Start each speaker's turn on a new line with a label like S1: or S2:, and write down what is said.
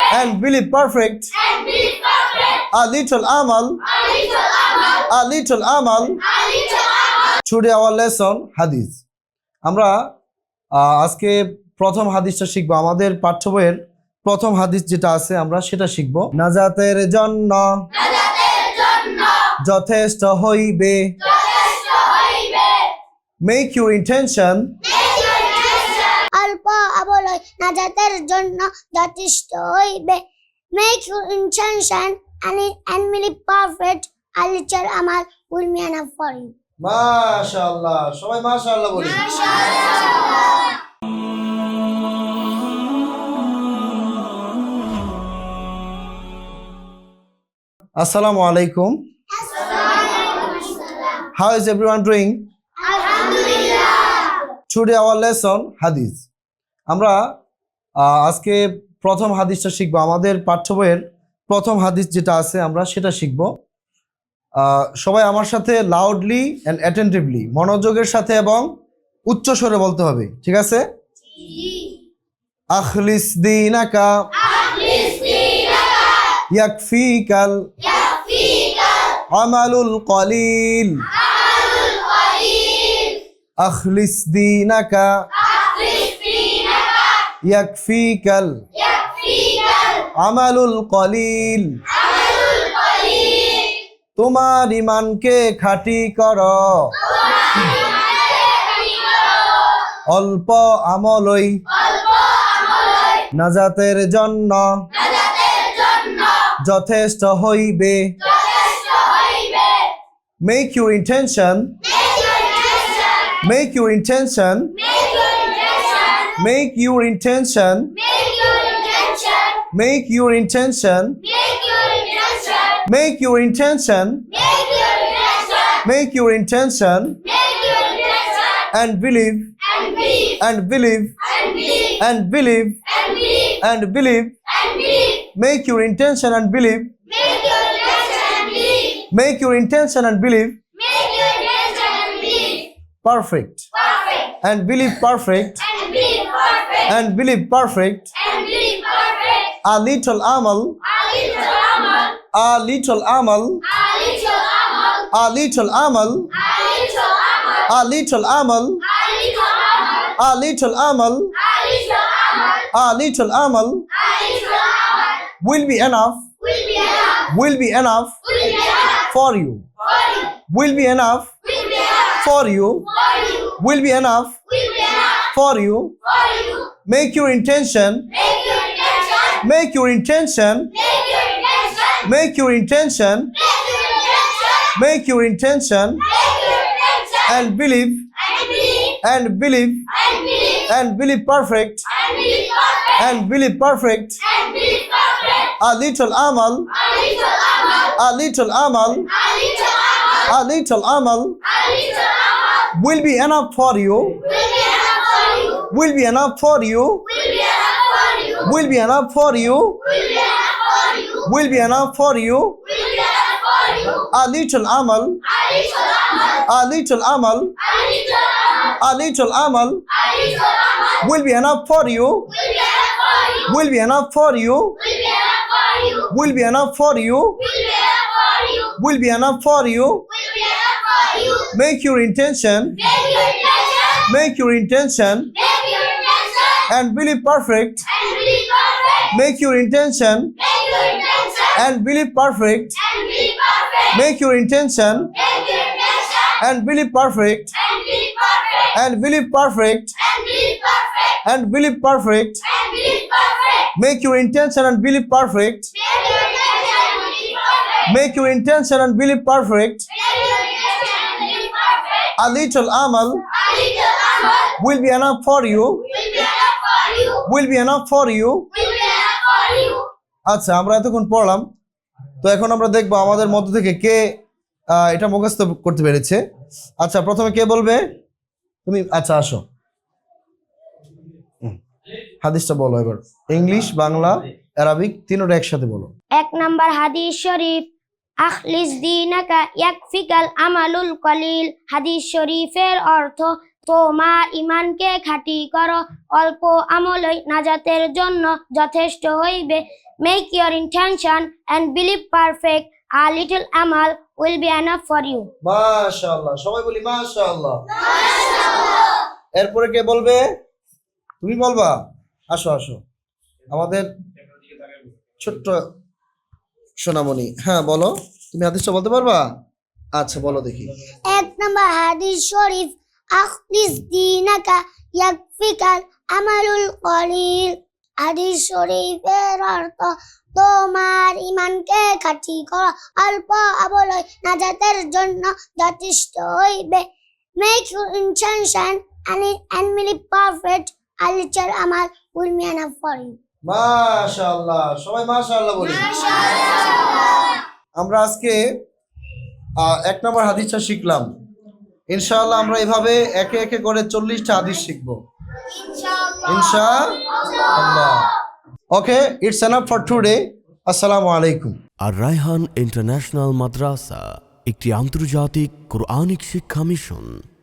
S1: and believe perfect. A little amal. A little amal. Today our lesson hadith. আমরা আজকে প্রথম হাদিসটা শিখবো। আমাদের পাঠ্য বইয়ের প্রথম হাদিস যেটা আছে আমরা সেটা শিখবো। নাজাতের জন্য যথেষ্ট হইবে। Make your intention.
S2: অল্প অবলয় নাজাতের জন্য যথেষ্ট হইবে। Make your intention and believe perfect. A little amal will be enough for you.
S1: মাশাআল্লাহ, সবাই মাশাআল্লাহ বলি। Assalamu alaikum. How is everyone doing? Today our lesson hadith. আমরা আজকে প্রথম হাদিসটা শিখবো। আমাদের পাঠ্য বইয়ের প্রথম হাদিস যেটা আছে আমরা সেটা শিখবো। সবাই আমার সাথে লাউডলি অ্যান্ড অ্যাটেন্টিভলি, মনোযোগের সাথে এবং উচ্চ স্বরে বলতে হবে, ঠিক আছে? আখলিস দীনাকা ইয়াকফিকাল আমালুল কলিল। আখলিস দীনাকা ইয়াকফিকাল আমালুল কলিল। তোমার ইমানকে খাঁটি করো, অল্প আমলই নাজাতের জন্য যথেষ্ট হইবে। Make your intention. Make your intention. Make your intention. Make your intention. Make your intention. Make your intention. And believe. And believe. And believe. And believe. Make your intention and believe. Make your intention and believe. Perfect. And believe perfect. And believe perfect. A little amal. A little amal. A little amal. A little amal. A little amal. A little amal will be enough. Will be enough for you. Will be enough for you. Will be enough for you. Make your intention. Make your intention. Make your intention. Make your intention. And believe. And believe. And believe perfect. And believe perfect. A little amal. A little amal. A little amal will be enough for you. Will be enough for you. Will be enough for you. Will be enough for you. A little amal. A little amal. A little amal will be enough for you. Will be enough for you. Will be enough for you. Will be enough for you. Make your intention. Make your intention. And believe perfect. Make your intention. And believe perfect. Make your intention. And believe perfect. And believe perfect. And believe perfect. Make your intention and believe perfect. Make your intention and believe perfect. A little amal will be enough for you. Will be enough for you. আচ্ছা, আমরা এতক্ষণ পড়লাম, তো এখন আমরা দেখবো আমাদের মধ্য থেকে কে এটা মুখস্থ করতে পেরেছে। আচ্ছা, প্রথমে কে বলবে? তুমি। আচ্ছা, আসো, হাদিসটা বলো এবার। ইংলিশ, বাংলা, আরবিক তিনটা একসাথে বলো।
S2: 1 নাম্বার হাদিস শরীফ, আখলিস দীনাকা ইয়াকফিকাল আমালুল কলিল। হাদিস শরীফের অর্থ তোমার ইমানকে খাঁটি করো, অল্প আমলই নাজাতের জন্য যথেষ্ট হইবে। Make your intention and believe perfect, a little আমাল will be enough for you.
S1: মাশাআল্লাহ, সবাই বলি মাশাআল্লাহ। এরপরে কে বলবে? তুমি বলবা? আসো আসো, আমাদের ছোট্ট সোনামণি। হ্যাঁ বলো, তুমি হাদিসটা বলতে পারবা? আচ্ছা বলো দেখি।
S2: এক নম্বর হাদিস শরীফ, আখলিস দীনাকা ইয়াকফিকাল আমালুল কলিল। হাদিস শরীফের অর্থ, তোমার ইমানকে খাঁটি করো, অল্প আমলই নাজাতের জন্য যথেষ্ট হইবে। Make your intention and believe perfect, a little amal will be enough for you.
S1: মাশাআল্লাহ, সবাই মাশাআল্লাহ বলি। আমরা আজকে 1 নম্বর হাদিসটা শিখলাম। ইনশাআল্লাহ আমরা এভাবে একে একে করে 40টা হাদিস শিখবো ইনশাআল্লাহ। Okay, it's enough for today. আসসালামু আলাইকুম।
S3: আর রায়হান ইন্টারন্যাশনাল মাদ্রাসা একটি আন্তর্জাতিক কোরআনিক শিক্ষা মিশন।